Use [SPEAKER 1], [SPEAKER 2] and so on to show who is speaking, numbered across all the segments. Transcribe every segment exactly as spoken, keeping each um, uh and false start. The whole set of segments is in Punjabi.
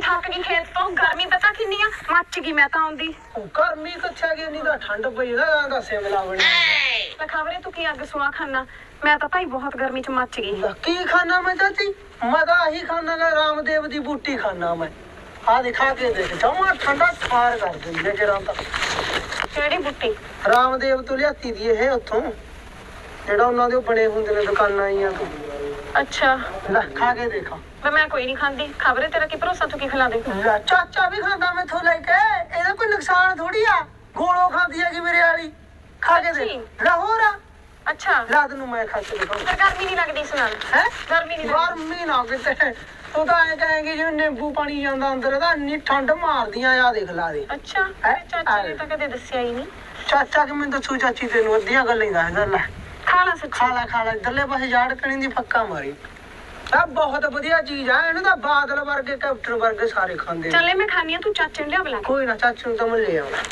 [SPEAKER 1] ਥੱਕ ਗਈ ਖੇਤ ਤੋਂ ਗਰਮੀ ਪਤਾ ਕਿੰਨੀ ਆ ਮੱਚ ਗਈ ਮੈਂ ਤਾਂ ਆਉਂਦੀ
[SPEAKER 2] ਗਰਮੀ ਕਿੱਥੇ ਗਈ ਨਹੀਂ ਤਾਂ ਠੰਡ ਪਈ ਨਾ ਦਾ ਸਿਮਲਾ ਬਣੀ
[SPEAKER 1] ਲੈ ਖਬਰੇ ਤੂੰ ਕੀ ਅੱਗ ਸੁਆ ਖਾਨਾ ਮੈਂ ਤਾਂ ਭਾਈ ਬਹੁਤ ਗਰਮੀ ਚ ਮੱਚ ਗਈ
[SPEAKER 2] ਕੀ ਖਾਣਾ ਮੈਂ ਚਾਚੀ ਮੈਂ ਤਾਂ ਆਹੀ ਖਾਣਾ ਗਾ ਰਾਮਦੇਵ ਦੀ ਬੂਟੀ ਖਾਣਾ ਮੈਂ ਆ ਦਿਖਾ ਕੇ ਦੇਖ ਜਮਾ ਠੰਡਾ ਠਾਰ ਕਰ ਦਿੰਦੇ ਜਰਾਂ ਤਾਂ
[SPEAKER 1] ਕਿਹੜੀ ਬੁੱਟੀ
[SPEAKER 2] ਰਾਮਦੇਵ ਤੋਂ ਲਿਆਤੀ ਦੀ ਇਹ ਉੱਥੋਂ ਜਿਹੜਾ ਉਹਨਾਂ ਦੇ ਬਣੇ ਹੁੰਦੇ ਨੇ ਦੁਕਾਨਾਂ ਆਈਆਂ ਤੋਂ
[SPEAKER 1] ਅੱਛਾ
[SPEAKER 2] ਲੈ ਖਾ ਕੇ ਦੇਖਾ
[SPEAKER 1] ਮੈਂ ਮੈਂ ਕੋਈ ਨਹੀਂ ਖਾਂਦੀ ਖਬਰੇ ਤੇਰਾ ਕੀ ਭਰੋਸਾ ਤੂੰ ਕੀ ਖਿਲਾ ਦੇ
[SPEAKER 2] ਲੈ ਚਾਚਾ ਵੀ ਖਾਂਦਾ ਮੈਥੋਂ ਲੈ ਕੇ ਇਹਦਾ ਕੋਈ ਨੁਕਸਾਨ ਥੋੜੀ ਆ ਗੋਲੋ ਖਾਂਦੀ ਹੈਗੀ ਮੇਰੇ ਵਾਲੀ ਖਾ ਕੇ ਦੇਖ ਲਾਹੌਰ ਆ
[SPEAKER 1] ਅੱਛਾ
[SPEAKER 2] ਰਾਤ ਨੂੰ ਮੈਂ ਖਾ ਕੇ ਦੇਖਾਂ
[SPEAKER 1] ਫਿਰ ਗਰਮੀ ਨਹੀਂ ਲੱਗਦੀ ਇਸ ਨਾਲ
[SPEAKER 2] ਹੈ
[SPEAKER 1] ਗਰਮੀ ਨਹੀਂ
[SPEAKER 2] ਗਰਮੀ ਨਾ ਕਿਤੇ ਤੂੰ ਤਾਂ ਐ ਕਹੇਂਗੀ ਜਿਵੇਂ ਨਿੰਬੂ ਪਾਣੀ ਜਾਂਦਾ ਅੰਦਰ ਦਾ ਇੰਨੀ ਠੰਡ ਮਾਰਦੀਆਂ ਆ ਦੇਖ ਲਾ ਦੇ
[SPEAKER 1] ਅੱਛਾ ਚਾਚੀ ਨੇ ਤਾਂ ਕਦੇ ਦੱਸਿਆ ਹੀ ਨਹੀਂ
[SPEAKER 2] ਚਾਚਾ ਕਿ ਮੈਨੂੰ ਦੱਸੂ ਚਾਚੀ ਤੈਨੂੰ ਅੱਧੀਆਂ ਗੱਲਾਂ ਹੀ ਦੱਸਦਾ ਲੈ
[SPEAKER 1] ਖਾ ਲਾ ਸੱਚੀ
[SPEAKER 2] ਖਾ ਲੈ ਖਾ ਲੈ ਇੱਧਰਲੇ ਪਾਸੇ ਜਾੜ ਕਣੀ ਦੀ ਫੱਕਾ ਮਾਰੀ ਆ ਬਹੁਤ ਵਧੀਆ ਚੀਜ਼ ਆ ਇਹਨੂੰ ਤਾਂ ਬਾਦਲ ਵਰਗੇ ਕੈਪਟਨ ਵਰਗੇ ਸਾਰੇ ਖਾਂਦੇ
[SPEAKER 1] ਚੱਲੇ ਮੈਂ ਖਾਣੀ ਆ ਤੂੰ ਚਾਚੇ ਨੂੰ ਲਿਆ ਬੁਲਾ
[SPEAKER 2] ਕੋਈ ਨਾ ਚਾਚੂ ਨੂੰ ਤਾਂ ਮੈਂ ਲੈ ਆਉਣਾ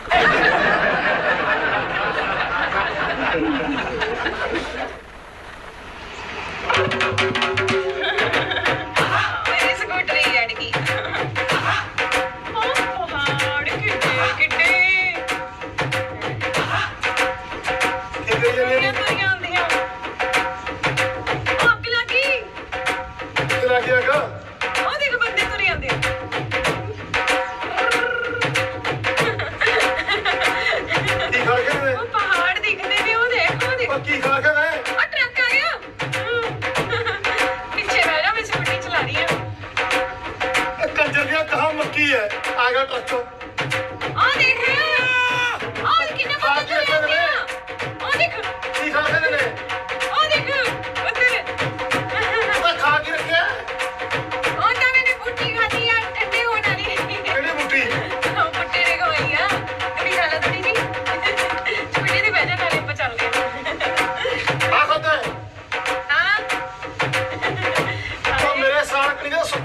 [SPEAKER 1] ਮੇਰੀ ਸਕੂਟਰੀ ਅੜ ਗਈ ਉਹ ਪਹਾੜ ਕਿੱਡੇ ਕਿੱਡੇ
[SPEAKER 2] ਕਿੱਥੇ
[SPEAKER 1] ਤੁਰੀਆਂ ਤੁਰੀਆਂ ਆਉਂਦੀਆਂ ਅੱਗ ਲੱਗੀ
[SPEAKER 2] ਕਿੱਥੇ ਲੱਗ ਗਿਆ ਕਾ
[SPEAKER 1] ਉਹ ਦੇਖ ਬੰਦੇ ਤੁਰੇ ਆਉਂਦੇ
[SPEAKER 2] ਕੀ ਖਾ ਕੇ ਨੇ
[SPEAKER 1] ਉਹ ਪਹਾੜ ਦਿਖਦੇ ਨੇ ਉਹ ਦੇਖ ਉਹ ਦੇਖ
[SPEAKER 2] ਉਹ ਕੀ ਖਾ ਕੇ ਨੇ
[SPEAKER 1] ਉਹ ਟਰੱਕ ਆ ਗਿਆ ਪਿੱਛੇ ਬਹਿ ਜਾ ਮੈਂ ਸਕੂਟਰੀ ਚਲਾ ਰਹੀ ਹਾਂ
[SPEAKER 2] ਕੰਜਰ ਦੀਆਂ ਕਹਾ ਮੱਕੀ ਹੈ ਆ ਗਿਆ ਟਰੱਕ
[SPEAKER 1] ਆ ਦੇਖ ਆ ਕਿੰਨੇ ਬੰਦੇ ਤੁਰੇ ਆਉਂਦੇ ਆ ਉਹ ਦੇਖ
[SPEAKER 2] ਕੀ ਖਾ ਕੇ ਨੇ
[SPEAKER 1] ਉਹ ਦੇਖ ਉੱਧਰ
[SPEAKER 2] ਮੈਂ ਖਾ ਕੇ ਰੱਖਿਆ
[SPEAKER 1] ਉਹ ਤਾਂ ਮੈंने ਬੁੱਟੀ ਖਾਧੀ ਆ ਠੰਡੇ ਹੋਣ ਵਾਲੀ
[SPEAKER 2] ਕਿਹੜੀ ਬੁੱਟੀ
[SPEAKER 1] ਉਹ ਬੁੱਟੇ ਨੇ ਖਵਾਈ ਆ ਕਦੀ ਖਾ ਲਾ ਥੋੜੀ ਜੀ ਸਕੂਟਰੀ ਤੇ ਬਹਿ ਜਾ ਨਾਲੇ ਆਪਾਂ ਚੱਲਦੇ
[SPEAKER 2] ਆ ਖਾਦਾ
[SPEAKER 1] ਹਾਂ
[SPEAKER 2] ਤਾਂ ਮੇਰੇ ਸਾਲ ਕਣੀ ਦਾ